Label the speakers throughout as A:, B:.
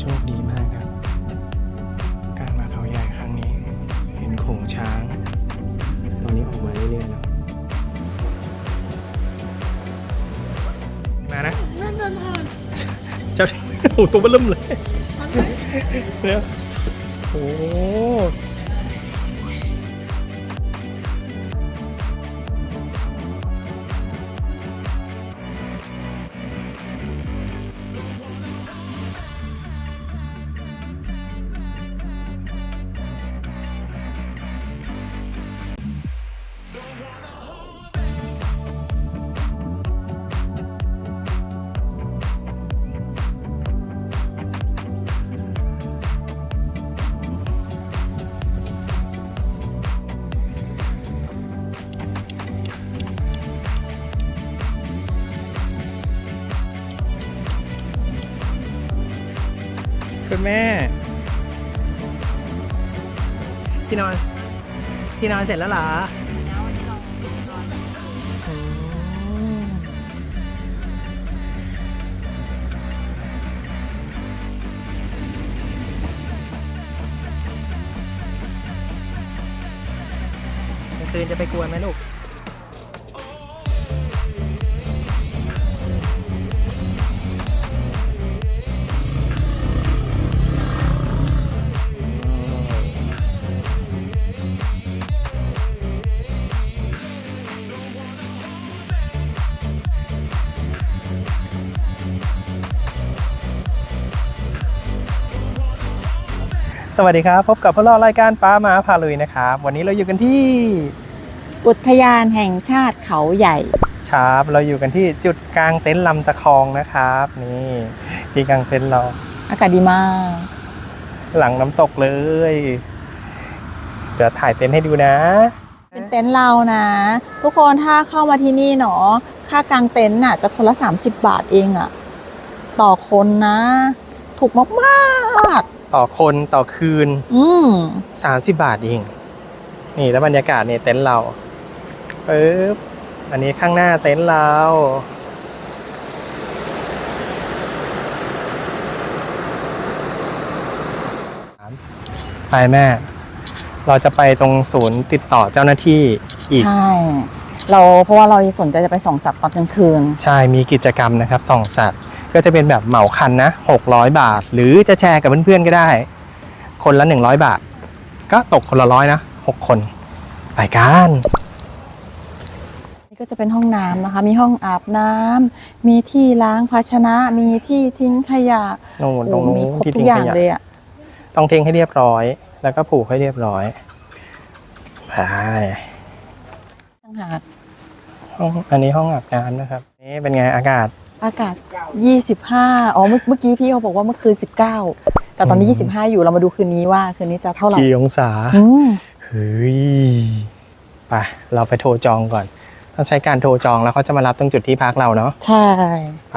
A: โชคดีมากครับการมาเขาใหญ่ครั้งนี้เห็นโขงช้างตอนนี้ออกมาเรื่อยๆแล้วมานะนั่นเดินผ่านเจ้าโอ้ตัวเบิ่มเลยเนี่ยโอ้คุณแม่ที่นอนเสร็จแล้วเหรอคืนจะไปกวนไหมลูกสวัสดีครับพบกับพวกเรารายการป้ามาพาลุยนะครับวันนี้เราอยู่กันที่
B: อุทยานแห่งชาติเขาใหญ่
A: ครับเราอยู่กันที่จุดกลางเต็นท์ลำตะคองนะครับนี่ที่กลางเต็นท์เรา
B: อากาศดีมาก
A: หลังน้ำตกเลยเดี๋ยวถ่ายเต็นท์ให้ดูนะ
B: เป็นเต็นท์เรานะทุกคนถ้าเข้ามาที่นี่เนาะค่ากางเต็นท์น่ะจะคนละ30 บาทเองอะต่อคนนะถูกมาก
A: ต่อคนต่อคืน30 บาทเองนี่แล้วบรรยากาศเนี่ยเต็นท์เราปึ๊บอันนี้ข้างหน้าเต็นท์เราไปแม่เราจะไปตรงศูนย์ติดต่อเจ้าหน้าที่อีก
B: ใช่เพราะว่าเราสนใจจะไปส่องสัตว์ตอนกลางคืน
A: ใช่มีกิจกรรมนะครับส่องสัตว์ก็จะเป็นแบบเหมาคันนะ600 บาทหรือจะแชร์กับเพื่อนๆก็ได้คนละ100 บาทก็ตกคนละ100นะ6 คนไปกัน
B: นี่ก็จะเป็นห้องน้ำนะคะมีห้องอาบน้ำมีที่ล้างภาชนะมีที่ทิ้งขยะ
A: ตรงนู้น
B: มีครบทุกอย่างเลยอ่ะ
A: ต้องทิ้งให้เรียบร้อยแล้วก็ผูกให้เรียบร้อยไปอันนี้ห้องอาบน้ำนะครับนี่เป็นไงอากาศ
B: 25เมื่อกี้พี่เขาบอกว่าเมื่อคืน19แต่ตอนนี้25อยู่เรามาดูคืนนี้ว่าคืนนี้จะเท่าไหร่
A: กี่องศาเฮ้ยไปเราไปโทรจองก่อนต้องใช้การโทรจองแล้วเขาจะมารับตรงจุดที่พักเราเนาะ
B: ใช่
A: ไป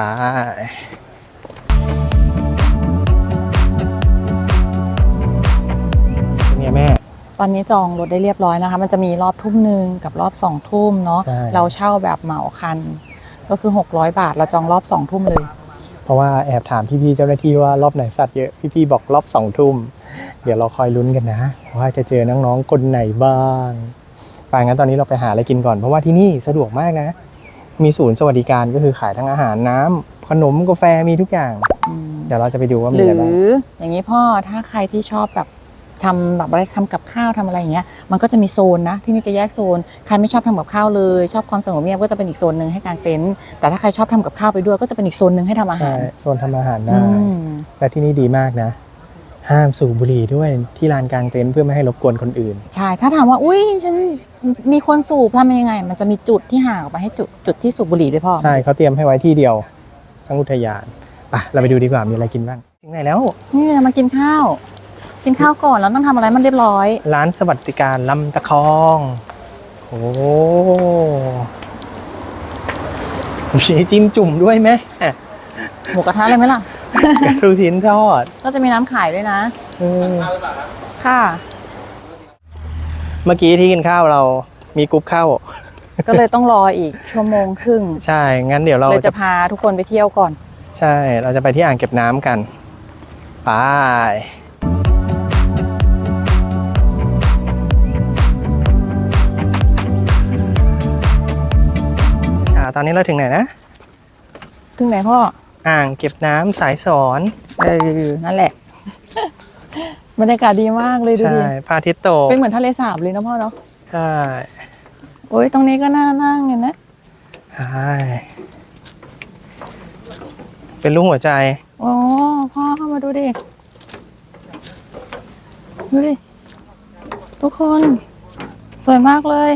A: เป็นไงแม่
B: ตอนนี้จองรถได้เรียบร้อยนะคะมันจะมีรอบทุ่มนึงกับรอบ2 ทุ่มเนาะเราเช่าแบบเหมาคันก็คือ600 บาทเราจองรอบ2 ทุ่มเลย
A: เพราะว่าแอบถามพี่ๆเจ้าหน้าที่ว่ารอบไหนสัตว์เยอะพี่ๆบอกรอบ2 ทุ่มเดี๋ยวเราคอยลุ้นกันนะว่าจะเจอน้องๆคนไหนบ้างไปงั้นตอนนี้เราไปหาอะไรกินก่อนเพราะว่าที่นี่สะดวกมากนะมีศูนย์สวัสดิการก็คือขายทั้งอาหารน้ำขนมกาแฟมีทุกอย่างเดี๋ยวเราจะไปดูว่ามีอะไรบ้าง
B: หรืออย่างนี้พ่อถ้าใครที่ชอบแบบทำแบบอะไรทำกับข้าวทำอะไรอย่างเงี้ยมันก็จะมีโซนนะที่นี่จะแยกโซนใครไม่ชอบทำกับข้าวเลยชอบความสงบเงียบก็จะเป็นอีกโซนหนึ่งให้กางเต็นท์แต่ถ้าใครชอบทำกับข้าวไปด้วยก็จะเป็นอีกโซนหนึ่งให้ทำอาหาร
A: โซนทำอาหารได้และที่นี่ดีมากนะห้ามสูบบุหรี่ด้วยที่ลานกางเต็นท์เพื่อไม่ให้รบกวนคนอื่น
B: ใช่ถ้าถามว่าอุ้ยฉันมีคนสูบทำยังไงมันจะมีจุดที่ห่างออกไปให้จุดที่สูบบุหรี่ด้วยพ่อ
A: ใช่เขาเตรียมให้ไว้ที่เดียวทั้งอุทยานไปเราไปดูดีกว่ามีอะไรกินบ้างถึงไหนแล้ว
B: นี่มากินข้าวก่อนแล้วต้องทำอะไรมันเรียบร้อย
A: ร้านสวัสดิการลำตะคอง โอ้มีจิ้มจุ่มด้วยไหม
B: หมูกระทะเลยไหมล่ะ
A: กระทู้ชิ้นทอด
B: ก็จะมีน้ำขายด้วยนะค่ะ
A: เมื่อกี้ที่กินข้าวเรามีกรุ๊ปข้าว
B: ก็เลยต้องรออีก1.5 ชั่วโมง
A: ใช่งั้นเดี๋ยวเรา
B: จะพาทุกคนไปเที่ยวก่อน
A: ใช่เราจะไปที่อ่างเก็บน้ำกันไปตอนนี้เราถึงไหนนะ
B: ถึงไหนพ่อ
A: อ่างเก็บน้ำสายสอน
B: นั่นแหละ บรรยากาศดีมากเลยดู
A: ใช่
B: ดิ
A: พระอาทิตย์ตก
B: เป็นเหมือนทะเลสาบเลยนะพ่อเนาะ
A: ใช่
B: โอ้ยตรงนี้ก็น่านั่งเห็นไหม
A: ใช่เป็นรูปหัวใจ
B: โอ้พ่อเข้ามาดูดิดูดิทุกคนสวยมากเลย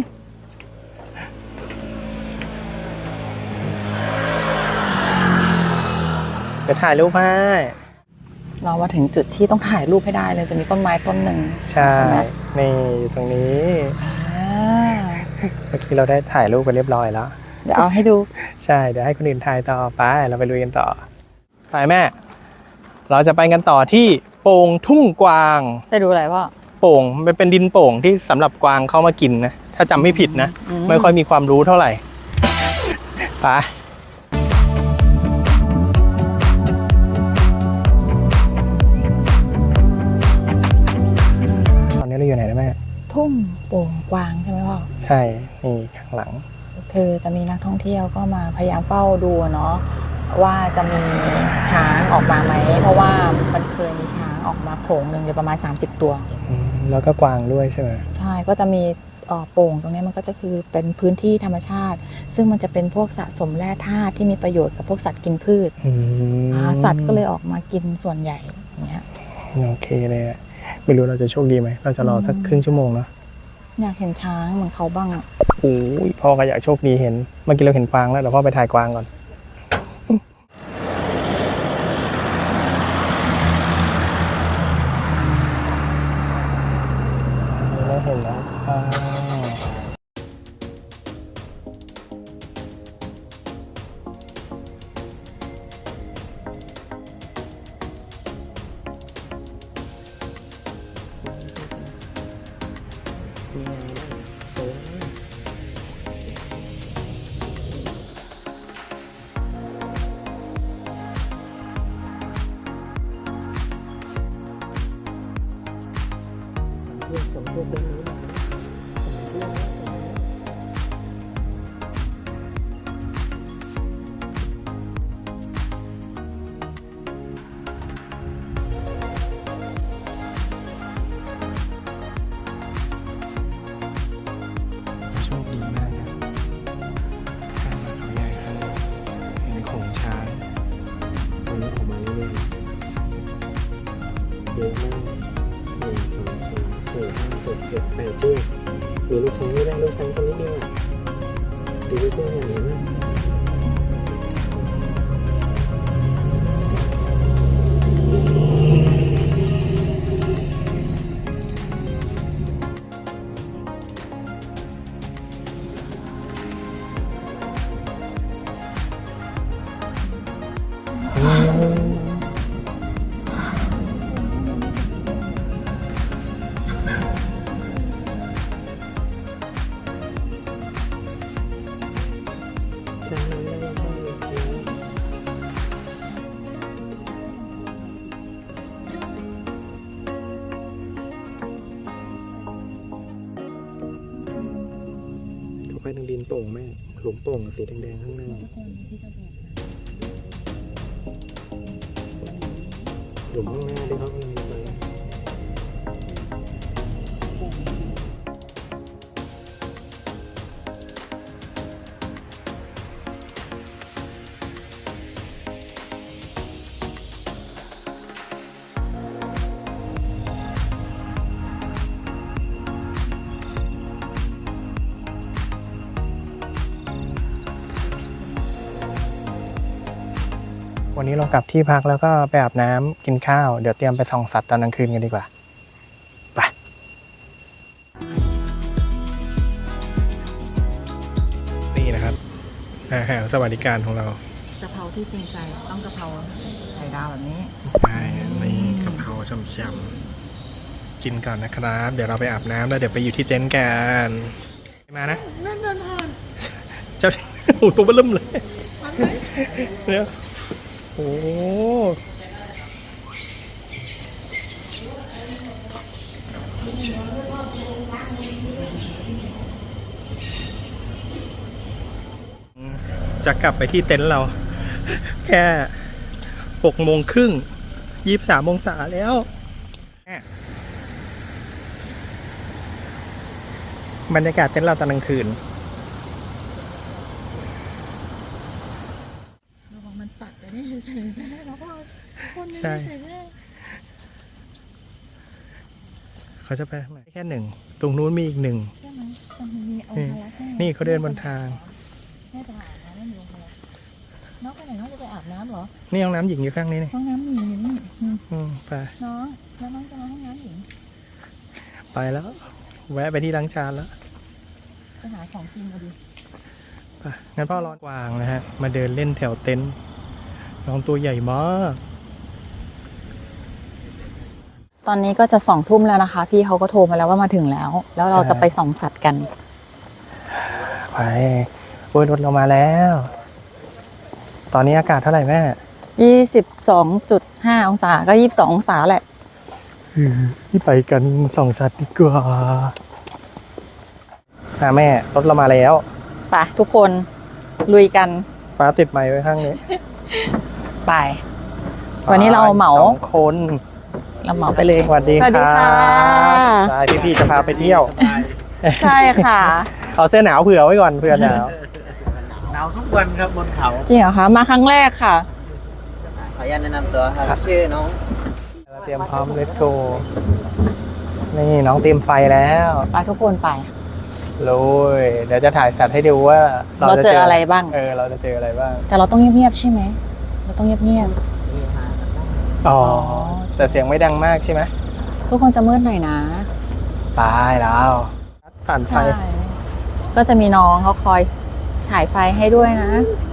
A: ไปถ่ายรูปให้
B: เรามาถึงจุดที่ต้องถ่ายรูปให้ได้เลยจะมีต้นไม้ต้นหนึ่ง
A: ใช่
B: เห็นไหม
A: นี่อยู่ตรงนี้
B: อ่า
A: เมื่อกี้เราได้ถ่ายรูปกันเรียบร้อยแล้ว
B: เดี๋ยวเอาให้ดู
A: ใช่ เดี๋ยวให้คนอื่นถ่ายต่อไป เราไปลุยกันต่อ ไปแม่ เราจะไปกันต่อที่โป่งทุ่งกวาง
B: ไปดูอะไรพ่อ
A: โป่งมันเป็นดินโป่งที่สำหรับกวางเข้ามากินนะ ถ้าจำไม่ผิดนะ ไม่ค่อยมีความรู้เท่าไหร่ ไป ตอนนี้เราอยู่ไหนนะแม่
B: ทุ่งโป่งกวางใช่ไหมพ่อ
A: ใช่ นี่ข้างหลัง
B: คือจะมีนักท่องเที่ยวก็มาพยายามเฝ้าดูเนาะว่าจะมีช้างออกมาไหมเพราะว่ามันเคยมีช้างออกมาโขลงหนึ่งเลยประมาณ30 ตัว
A: แล้วก็กวางด้วยใช่ไหม
B: ใช่ก็จะมีโป่งตรงนี้มันก็จะคือเป็นพื้นที่ธรรมชาติ ซึ่งมันจะเป็นพวกสะสมแร่ธาตุที่มีประโยชน์กับพวกสัตว์กินพืช สัตว์ก็เลยออกมากินส่วนใหญ่อย่างเงี้ย
A: โอเคเลยอะไม่รู้เราจะโชคดีไหม เราจะรอสักครึ่งชั่วโมงเนาะ
B: อยากเห็นช้างเหมือนเขาบ้างอะ
A: โอ้ยพ่อก็อยากโชคดีเห็น เมื่อกี้เราเห็นกวางแล้วเดี๋ยวพ่อไปถ่ายกวางก่อน เราเห็นแล้วกวางมีไงบ้างสวยมากสำรวจด้านนี้หน่อยสำรวจสำรวจโชคดีมากครับข้ามมาเขาใหญ่ข้างเห็นโขลงช้างวันนี้ออกมาเรื่อยๆเยอะมาก1 2 3 4 5 6 7 8เชือกหรือลูกช้างไม่ได้ลูกช้างคนนิดเดียวอ่ะดูลูกช้างอย่างนี้มากเขาไปทางดินโป่งแม่หลุมโป่งสีแดงๆข้างหน้าหลุมข้างหน้าที่เขากำลังไป วันนี้เรากลับที่พักแล้วก็ไปอาบน้ำกินข้าว เดี๋ยวเตรียมไปส่องสัตว์ตอนกลางคืนกันดีกว่า ไป นี่นะครับอาหารสวัสดิการของเรา
B: กะเพราที่จริงใจต้องกะเพราไข่ดาวแบบนี้
A: ไปนี่กะเพราช่ำๆกินก่อนนะครับ เดี๋ยวเราไปอาบน้ำแล้วเดี๋ยวไปอยู่ที่เต็นท์กันมานะนั่นเดินผ่านเจ้า โอ้ตัวเบิ่มเลยเนี่ยโอ้จะกลับไปที่เต็นท์เรา แค่6:30 23 องศาแล้ว บรรยากาศเต็นท์เราตอนกลางคืน
B: ระวังมันปักเลยนี่ใส่แม่แล้วก็คนนึง
A: ใช่
B: ใส่แม่
A: เขาจะไปทางไหนแค่หนึ่ง ตรงนู้นมีอีกหนึ่ง
B: ใช่ไหมมันมีองค์พระแค่
A: นี่เขาเดินบนทาง
B: แม่จะอาบน้ำไม่มีองค์พระน้องไปไหนน้องจะไปอาบน้ำเหรอ
A: นี่ห้องน้ำหญิงอยู่ข้างนี้นี่
B: ห้องน้ำหญิงอยู่นี่
A: ไป
B: น้องแล้วน้องจะมาห้องน้ำหญิง
A: ไปแล้ว แวะไปที่ล้างจานแล้ว
B: จะหาของกินมาดิ
A: ไปงั้นพ่อรอกวางนะฮะ มาเดินเล่นแถวเต็นท์น้องตัวใหญ่มาก
B: ตอนนี้ก็จะ20:00แล้วนะคะ พี่เขาก็โทรมาแล้วว่ามาถึงแล้ว แล้วเราจะไปส่องสัตว์กัน
A: ไปโอ้ยรถเรามาแล้ว ตอนนี้อากาศเท่าไหร่แม่
B: 22.5 องศาก็22 องศาแหละ
A: ที่ไปกันส่องสัตว์ดีกว่าแม่รถเรามาแล้ว
B: ไปทุกคนลุยกัน
A: ฟ้าติดไม้ไว้ข้างนี้
B: ไป วันนี้เราเหมา
A: 2 คน
B: เราเหมาไปเลย
A: สวัสดี
B: สวัสดีค่ะ
A: ใช่พี่ๆจะพาไปเที่ยว
B: ใช่ค่ะ
A: เอาเสื้อหนาวเผื่อไว้ก่อนเผื่อหนาว
C: หนาวทุกวันครับบนเขา
B: จริงเหรอคะมาครั้งแรกค่ะ
C: ขออนุญาตแนะนำตัวครับชื่อน้อง
A: เราเตรียมพร้อมเลตโกนี่น้องเตรียมไฟแล้ว
B: ไปทุกคนไป
A: ลุยเดี๋ยวจะถ่ายสัตว์ให้ดูว่า
B: เราเจออะไรบ้าง
A: เราจะเจออะไรบ้าง
B: แต่เราต้องเงียบๆใช่ไหมเราต้องเงียบ
A: อ๋อแต่เสียงไม่ดังมากใช่ไหม
B: ๆทุกคนจะมืดหน่อยนะ
A: ตายแล้วผ่านไฟ
B: ใช่ก็จะมีน้องเขาคอยฉายไฟให้ด้วยนะ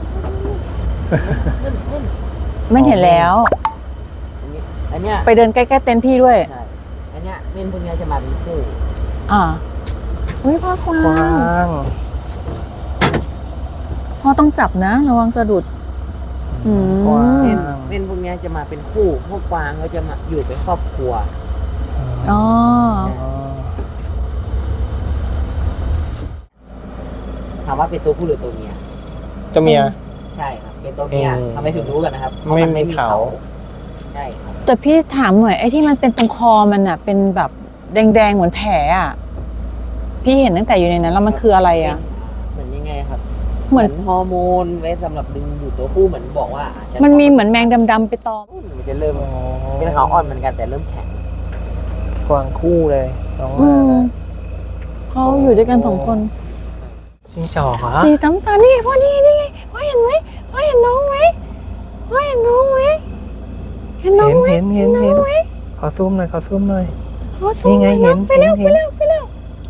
B: ไม่เห็นแล้ว
C: อันเนี้ย
B: ไปเดินใกล้ๆเต็นท์พี่ด้วย
C: ใช่อันเนี้ยเม่นพวกเนี้ยจะมาเป็นคู่
B: อ่าอุ้ยพ่อกวาก
A: ว้าง ง
B: พ่อต้องจับนะ ระวังสะดุด อืม
A: กว้าง
C: เม่นพวกเนี้ยจะมาเป็นคู่พวกกวางเขาจะมาอยู่เป็นครอบครัว
B: อ๋อ
C: ถามว่าเป็นตัวผู้หรือตัวเมีย
A: ตัวเมีย
C: ใช่ครับเป็นตัวเมีย
A: อืม
C: ทำไมถึงรู้กันนะครับ
A: ไม่
C: พระน
A: มีเขา
C: ใช่ครับ
B: แต่พี่ถามหน่อยไอ้ที่มันเป็นตรงคอมันอะเป็นแบบแดงๆเหมือนแผลอะพี่เห็นตั้งแต่อยู่ในนั้นแล้วมันคืออะไรอะ
C: เหมือนยังไงครับ
B: เหมือน
C: ฮอร์โมนไว้สำหรับดึงดูดตัวผู้เหมือนบอกว่าอาจจะ
B: มันมีเหมือนแมงดำๆไปตอม
C: มันจะเริ่มเป็นขาวอ่อนเหมือนกันแต่เริ่มแข็ง
A: กวางคู่เลยน้อง
B: อื
A: มาม
B: เขาอยู่ด้วยกัน2 คน
A: จิ้งจอกเหรอ
B: สีน้ำตาลนี่ไงพ่อนี่ไงนี่ไงพ่อเห็นไหมพ่อเห็นน้องไหมพ่อเห็นน้องไหมเห็นน้องไหม
A: เห็น
B: น้องไหม
A: ขอซูมหน่อยขอซูมหน่อย
B: ขอส่
A: นี่ไง
B: อย
A: เห็น
B: ไปแล้ว
A: เห็น
B: ไปแล้ว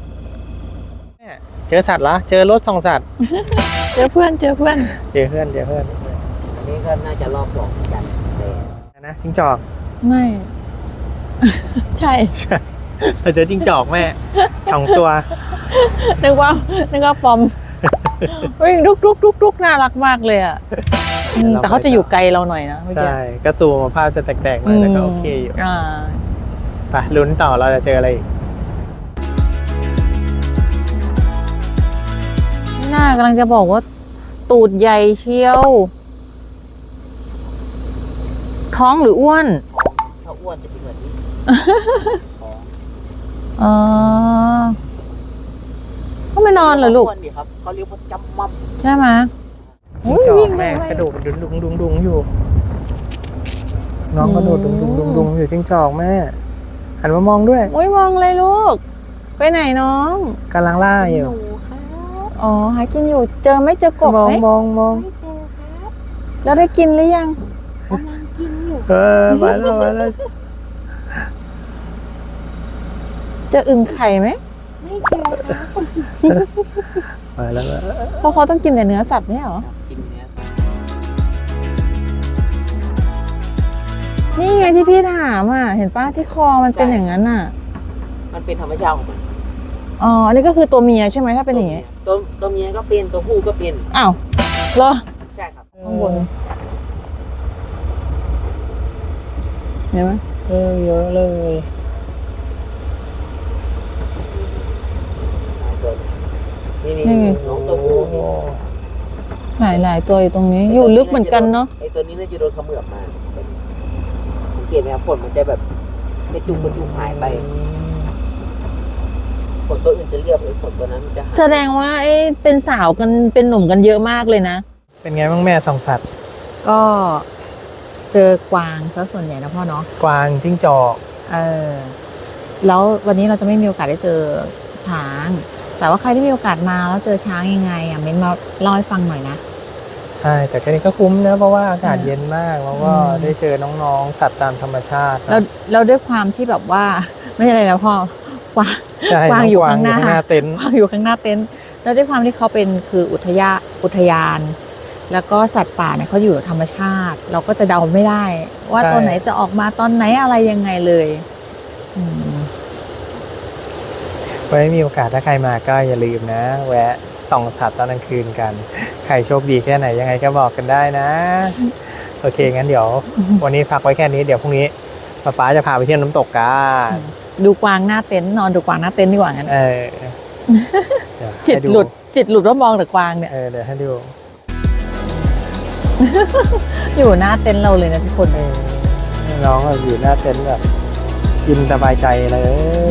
A: เจอสัตว์ละเจอรถส่องสัตว์
B: เจอเพื่อน
A: เจอเพื่อน
C: อันนี้ก็น่าจะรอบ2เหมือนกันเลย
A: นะจิ้งจอก
B: ไม่ ใช่
A: ใช่เราเจอจิ้งจอกแม่2 ตัว
B: นึกว่าปอมวิ่งลุกน่ารักมากเลยอ่ะแต่เขาจะอยู่ไกลเราหน่อยนะเมื่อกี้
A: ใช่ก็ซูมมาภาพจะแตกๆหน่อยแต่ก็โอเคอยู่
B: อ่า
A: ไปลุ้นต่อเราจะเจออะไรอีก
B: น่ากำลังจะบอกว่า ตูดใหญ่เชียว ท้องหรืออ้วน
C: ถ้าอ้วนจะเป็นแบบนี้ท้อง
B: อ๋อก็ไม่นอนเหรอลูก
C: อ้วนดิครับเขาเรียกว่าจำมั่ม
B: ใช่ไหม
A: จิ้งจอกแม่กระโดดดุงอยู่ น้องกระโดดดุงอยู่จิ้งจอกแม่หันมามองด้วย
B: โอ้ยมองเลยลูก ไปไหนน้อง
A: กำลังล่าอยู่
C: หนูครับ
B: อ๋อ หากินอยู่ เจอไหม่เจอกบ
A: มอง
B: ไหม
A: มอง
C: ไม่เจอครับ
B: แล้วได้กินหรือยัง
C: กำลังกินอยู่
A: มาแล้ว
B: เจออึ่งไข่ไหม
C: ไม่เจอครับ
A: มาแล้ว
B: เพราะเขาต้องกินแต่เนื้อสัตว์ไม่ใช่เหรอ
C: กินเนื้อ
B: นี่ไงที่พี่ถามอ่ะ เห็นป้าที่คอมันเป็นอย่างนั้นอ่ะ
C: มันเป็นธรรมชาติของมัน
B: อ๋อ อันนี้ก็คือตัวเมียใช่ไหมถ้าเป็นอย่างงี้
C: ตัวเมียก็เป็นตัวผู้ก็เป็น
B: อ้าวเหรอ
C: ใช่ครับ
B: ข้างบนเห็นไหม
A: เยอะเลย
C: นี่
B: นี่
C: น้องตัวผู้นี่
B: ไหนตัวอยู่ตรงนี้ อยู่ลึกเหมือนกันเนาะ
C: ไอตัวนี้น่าจะโดนเขมือบมาสังเกตไหมครับขนมันจะแบบกระจุกหายไปขนตัวอื่นจะเรียบเลยขนตัวนั้นจะหาย
B: แสดงว่าเป็นสาวกันเป็นหนุ่มกันเยอะมากเลยนะ
A: เป็นไงบ้างแม่ส่องสัตว์
B: ก็เจอกวางซะส่วนใหญ่นะพ่อเนาะ
A: กวางจิ้งจอก
B: แล้ววันนี้เราจะไม่มีโอกาสได้เจอช้าง แต่ว่าใครที่มีโอกาสมาแล้วเจอช้างยังไงเม้นมาเล่าให้ฟังหน่อยนะ
A: ใช่แต่ก็นี่ก็คุ้มนะเพราะว่าอากาศ
B: อืม
A: เย็นมากแล้วก็
B: อืม
A: ได้เจอน้องๆสัตว์ตามธรรมชาตินะ
B: แล้วด้วยความที่แบบว่า ไม่ใช่อะไรนะพ่อกวาง
A: ใช่
B: กวาง
A: น้
B: อยู่ข้างหน้า
A: เต็นท์
B: กวางอยู่ข้างหน้าเต็นท์แล้วด้วยความที่เขาเป็นคืออุทยาน แล้วก็สัตว์ป่าเนี่ยเขาอยู่กับธรรมชาติ เราก็จะเดาไม่ได้ ว่าตัวไหนจะออกมาตอนไหนอะไรยังไงเลยอืม
A: ไว้มีโอกาสถ้าใครมาก็อย่าลืมนะ แวะส่องสัตว์ตอนกลางคืนกัน ใครโชคดีแค่ไหนยังไงก็บอกกันได้นะ โอเคงั้นเดี๋ยว วันนี้พักไว้แค่นี้เดี๋ยวพรุ่งนี้ป๊าจะพาไปเที่ยวน้ำตกกัน
B: ดูกวางหน้าเต็นท์นอนดูกวางหน้าเต็นท์ดีกว่างั้น
A: เดี๋ยว
B: จิต
A: ให้
B: หลุดว่ามองแต่กวางเนี่ย
A: เดี๋ยวให้ดู
B: อยู่หน้าเต็นท์เราเลยนะทุกคน
A: น้องอยู่หน้าเต็นท์แบบกินสบายใจเลย